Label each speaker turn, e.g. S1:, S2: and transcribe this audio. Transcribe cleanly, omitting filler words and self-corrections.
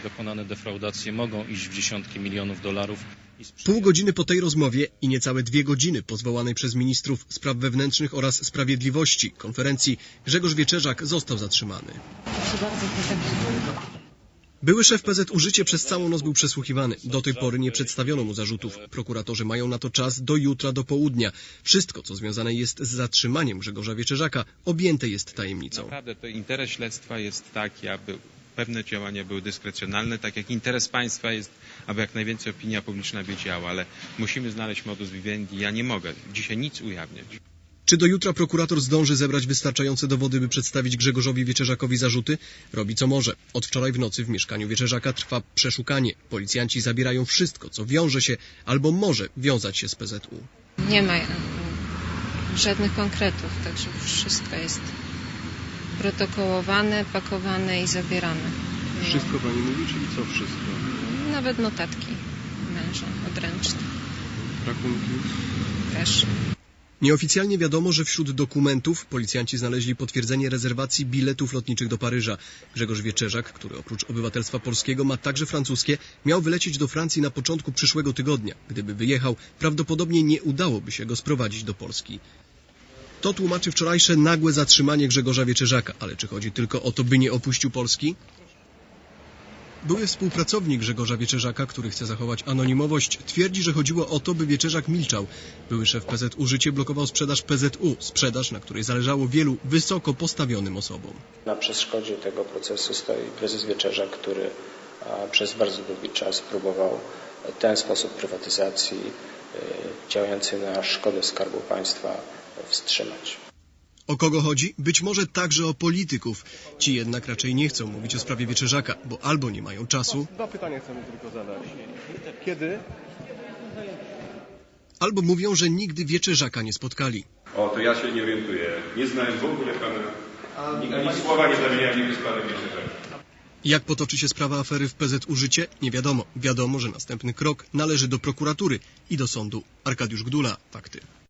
S1: dokonane defraudacje mogą iść w dziesiątki milionów dolarów.
S2: Pół godziny po tej rozmowie i niecałe 2 godziny po zwołanej przez ministrów spraw wewnętrznych oraz sprawiedliwości konferencji Grzegorz Wieczerzak został zatrzymany. Były szef PZU Życie przez całą noc był przesłuchiwany. Do tej pory nie przedstawiono mu zarzutów. Prokuratorzy mają na to czas do jutra do południa. Wszystko, co związane jest z zatrzymaniem Grzegorza Wieczerzaka, objęte jest tajemnicą.
S3: Naprawdę to interes śledztwa jest taki, aby pewne działania były dyskrecjonalne, tak jak interes państwa jest, aby jak najwięcej opinia publiczna wiedziała, ale musimy znaleźć modus vivendi. Ja nie mogę dzisiaj nic ujawniać.
S2: Czy do jutra prokurator zdąży zebrać wystarczające dowody, by przedstawić Grzegorzowi Wieczerzakowi zarzuty? Robi co może. Od wczoraj w nocy w mieszkaniu Wieczerzaka trwa przeszukanie. Policjanci zabierają wszystko, co wiąże się albo może wiązać się z PZU.
S4: Nie ma żadnych konkretów, także wszystko jest protokołowane, pakowane i zabierane.
S2: Wszystko pani mówi, czyli co wszystko?
S4: Nawet notatki męża odręczne.
S2: Rachunki?
S4: Też.
S2: Nieoficjalnie wiadomo, że wśród dokumentów policjanci znaleźli potwierdzenie rezerwacji biletów lotniczych do Paryża. Grzegorz Wieczerzak, który oprócz obywatelstwa polskiego ma także francuskie, miał wylecieć do Francji na początku przyszłego tygodnia. Gdyby wyjechał, prawdopodobnie nie udałoby się go sprowadzić do Polski. To tłumaczy wczorajsze nagłe zatrzymanie Grzegorza Wieczerzaka. Ale czy chodzi tylko o to, by nie opuścił Polski? Były współpracownik Grzegorza Wieczerzaka, który chce zachować anonimowość, twierdzi, że chodziło o to, by Wieczerzak milczał. Były szef PZU Życie blokował sprzedaż PZU, sprzedaż, na której zależało wielu wysoko postawionym osobom.
S5: Na przeszkodzie tego procesu stoi prezes Wieczerzak, który przez bardzo długi czas próbował ten sposób prywatyzacji działający na szkodę Skarbu Państwa wstrzymać.
S2: O kogo chodzi? Być może także o polityków. Ci jednak raczej nie chcą mówić o sprawie Wieczerzaka, bo albo nie mają czasu.
S6: 2 pytania chcemy tylko zadać. Kiedy?
S2: Albo mówią, że nigdy Wieczerzaka nie spotkali.
S7: O, to ja się nie orientuję. Nie znałem w ogóle pana. Ani słowa nie zamieniałem nigdy z panem Wieczerzaka.
S2: Jak potoczy się sprawa afery w PZU Życie? Nie wiadomo. Wiadomo, że następny krok należy do prokuratury i do sądu. Arkadiusz Gdula, Fakty.